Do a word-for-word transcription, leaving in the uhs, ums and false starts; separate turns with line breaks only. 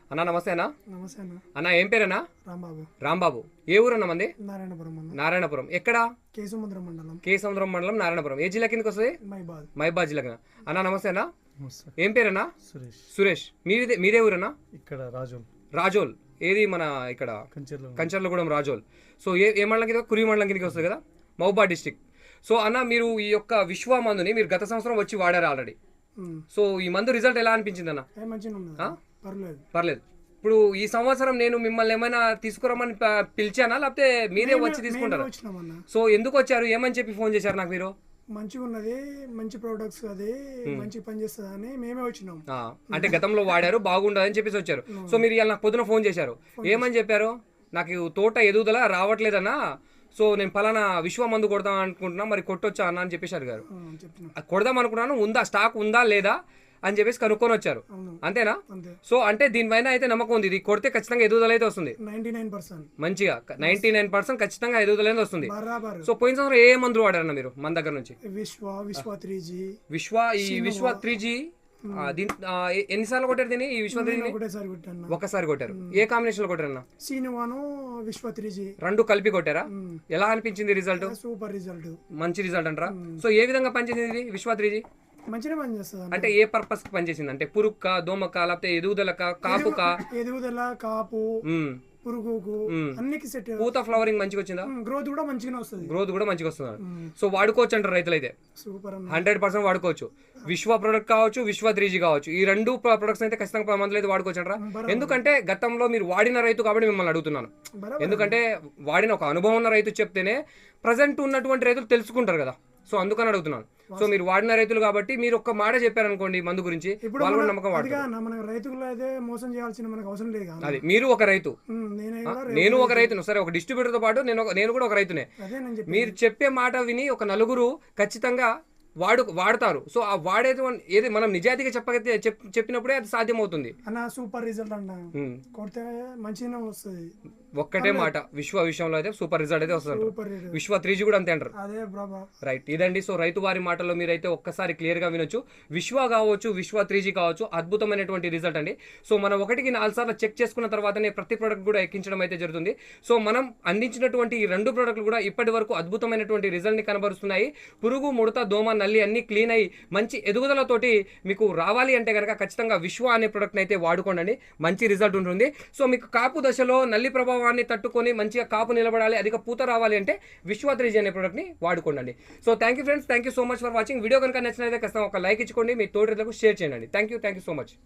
అన్నా నమస్తే అన్న.
నమస్తే అన్న.
అన్న ఏం పేరన్నా?
రాంబాబు.
రాంబాబు. ఏ ఊరన్న మంది?
నారాయణపురం అన్న.
నారాయణపురం. ఎక్కడ?
కే సముద్రం మండలం.
కే సముద్రం మండలం, నారాయణపురం. ఏ జిల్లా కిందకి వస్తుంది?
మైబాద్.
మైబాద్ జిల్లా. అన్న నమస్తే అన్న.
నమస్తే.
ఏం పేరన్నా?
సురేష్.
సురేష్. మీదే మీదే ఊరన్నా?
ఇక్కడ రాజోల్.
రాజోల్. ఏది మన ఇక్కడ
కంచెర్లో.
కంచర్లగూడెం రాజోల్. సో ఏ ఏ మండలం కింద? కురి మండలం కిందకి వస్తుంది కదా, మహబూబాద్ డిస్టిక్. సో అన్న మీరు ఈ యొక్క విశ్వ మందుని మీరు గత సంవత్సరం వచ్చి వాడారు ఆల్రెడీ. సో ఈ మందు రిజల్ట్ ఎలా అనిపించింది అన్న?
ఏ మంచిగా ఉన్నది. పర్లేదు.
పర్లేదు. ఇప్పుడు ఈ సంవత్సరం నేను మిమ్మల్ని ఏమైనా తీసుకురమ్మని ప- పిలిచానా, లేకపోతే మీరే
మేమే-
వచ్చి తీసుకుంటారా?
మేమే వచ్చినామన్న.
సో ఎందుకు వచ్చారు, ఏమని చెప్పి ఫోన్ చేశారు నాకు మీరు?
మంచిగా ఉన్నది, మంచి ప్రొడక్ట్స్ అది మంచి పని చేస్తుంది అని మేమే వచ్చినాం.
ఆ, అంటే గతంలో వాడారు బాగుండదని చెప్పేసి వచ్చారు. సో మీరు ఇవాళ నాకు పొద్దున ఫోన్ చేశారు. ఏమని చెప్పారు? నాకు తోట ఎదుగుదల రావట్లేదన్నా, సో నేను పలానా విశ్వ మందు కొడదాం అనుకుంటున్నా, మరి కొట్టొచ్చా అన్న అని చెప్పేసి అడిగారు.
ఆ, చెప్తున్నాం.
అది కొడదాం అనుకున్నాను, ఉందా స్టాక్ ఉందా లేదా అని చెప్పేసి కనుక్కొని వచ్చారు.
అవును.
అంతేనా?
అంతే.
సో అంటే దీనిపైన అయితే నమ్మకం ఉంది, ఇది కొడితే ఖచ్చితంగా ఎదుగుదల అయితే వస్తుంది.
నైన్టీ నైన్ పర్సెంట్
మంచిగా నైన్టీ నైన్ పర్సెంట్ ఖచ్చితంగా ఎదుగుదల అనేది వస్తుంది.
బరాబర్.
సో పోయిన సంవత్సరం ఏ మందులు వాడారన్న మీరు మన దగ్గర నుంచి?
విశ్వ విశ్వ త్రీ జీ
విశ్వ ఈ విశ్వ త్రీ జీ దీని ఆ, ఎ- ఎన్నిసార్లు కొట్టారు దీన్ని, ఈ విశ్వ త్రీ జీని?
ఒకటేసారి కొట్టాను.
ఒకసారి కొట్టారు. ఏ కాంబినేషన్ లో కొట్టారన్న?
సీనువాను విశ్వ త్రీ జీ.
రెండు కలిపి కొట్టారా? ఎలా అనిపించింది రిజల్ట్?
Super result.
మంచి రిజల్ట్ అంటారా? సో ఏ విధంగా పనిచేసింది ఇది విశ్వ త్రీ జీ?
మంచిగా పని చేస్తుంది.
అంటే ఏ పర్పస్ కి పనిచేసింది? అంటే పురుక్క, దోమక, లేకపోతే ఎదుగుదలక, కాపుక,
ఎదుగుదల, కాపు,
ఉమ్,
పురుగుకు అన్నికి సెట్.
పూత ఫ్లవరింగ్ మంచిగా వచ్చిందా?
గ్రోత్ కూడా మంచిగానే వస్తుంది.
గ్రోత్ కూడా మంచిగా వస్తుంది. సో వాడుకోవచ్చు అంటారు రైతులైతే.
సూపర్ అన్న.
హండ్రెడ్ పర్సెంట్ వాడుకోవచ్చు. విశ్వ ప్రొడక్ట్ కావచ్చు, విశ్వ త్రీ జీ కావచ్చు, ఈ రెండు ప్రొడక్ట్స్ అయితే ఖచ్చితంగా మందులు అయితే వాడుకోవచ్చు అంటారా? ఎందుకంటే గతంలో మీరు వాడిన రైతు కాబట్టి మిమ్మల్ని అడుగుతున్నాను.
బరాబర్.
ఎందుకంటే వాడిన ఒక అనుభవం ఉన్న రైతు చెప్తేనే ప్రజెంట్ ఉన్నటువంటి రైతులు తెలుసుకుంటారు కదా. సో అందుకని అడుగుతున్నాను. సో మీరు వాడిన రైతులు కాబట్టి మీరు ఒక్క మాట చెప్పారనుకోండి మందు గురించి,
ఇప్పుడు
వాళ్ళు కూడా
మన-
నమ్మకం
అదిగా
వాడతారు.
అన్న, మన రైతులు అయితే మోసం చేయాల్సిన మనకు అవసరం లేదు కదా.
అది మీరు ఒక రైతు,
ఉమ్, నేనే కూడా
నేను ఒక రైతును. సరే, ఒక డిస్ట్రిబ్యూటర్ తో పాటు నేను ఒక- నేను కూడా ఒక రైతునే.
అదే నేను చెప్పి
మీరు చెప్పే మాట విని ఒక నలుగురు ఖచ్చితంగా వాడు వాడతారు. సో ఆ వాడేది ఏది మనం నిజాయితీగా చెప్పగలిగితే చెప్- చెప్పినప్పుడే అది సాధ్యమవుతుంది.
అన్న సూపర్ రిజల్ట్ అన్న.
ఉమ్.
కొడితే మంచిగానే వస్తుంది.
ఒక్కటే మాట, విశ్వ విషయంలో అయితే సూపర్ రిజల్ట్ అయితే వస్తుంది.
Super result.
Vishwa three G కూడా అంతే అంటారు.
అదే బ్రాబా.
రైట్, ఇదండి. సో రైతు వారి మాటల్లో మీరైతే ఒక్కసారి క్లియర్ గా వినొచ్చు. విశ్వ కావచ్చు, విశ్వ త్రీ జీ కావచ్చు, అద్భుతమైనటువంటి రిజల్ట్ అండి. సో మనం ఒకటికి నాలుగు సార్లు చెక్ చేసుకున్న తర్వాతనే ప్రతి ప్రోడక్ట్ కూడా ఎక్కించడం అయితే జరుగుతుంది. సో మనం అందించినటువంటి ఈ రెండు ప్రోడక్ట్లు కూడా ఇప్పటి వరకు అద్భుతమైనటువంటి రిజల్ట్ ని కనబరుస్తున్నాయి. పురుగు, ముడత, దోమ, నల్లి అన్ని క్లీన్ అయ్యి మంచి ఎదుగుదలతోటి మీకు రావాలి అంటే కనుక ఖచ్చితంగా విశ్వ అనే ప్రోడక్ట్ అయితే వాడుకోండి. మంచి రిజల్ట్ ఉంటుంది. సో మీకు కాపు దశలో నల్లి ప్రభావాన్ని తట్టుకొని మంచిగా కాపు నిలబడాలి, అధిక పూత రావాలి అంటే విశ్వ త్రీ జీ అనే ప్రోడక్ట్ని వాడుకోండి. So thank you friends, thank you so much for watching. Video కనుక నచ్చినట్లయితే ఖచ్చితంగా ఒక లైక్ ఇచ్చుకోండి, మీ తోటి రైతులకు షేర్ చేయండి. Thank you thank you so much.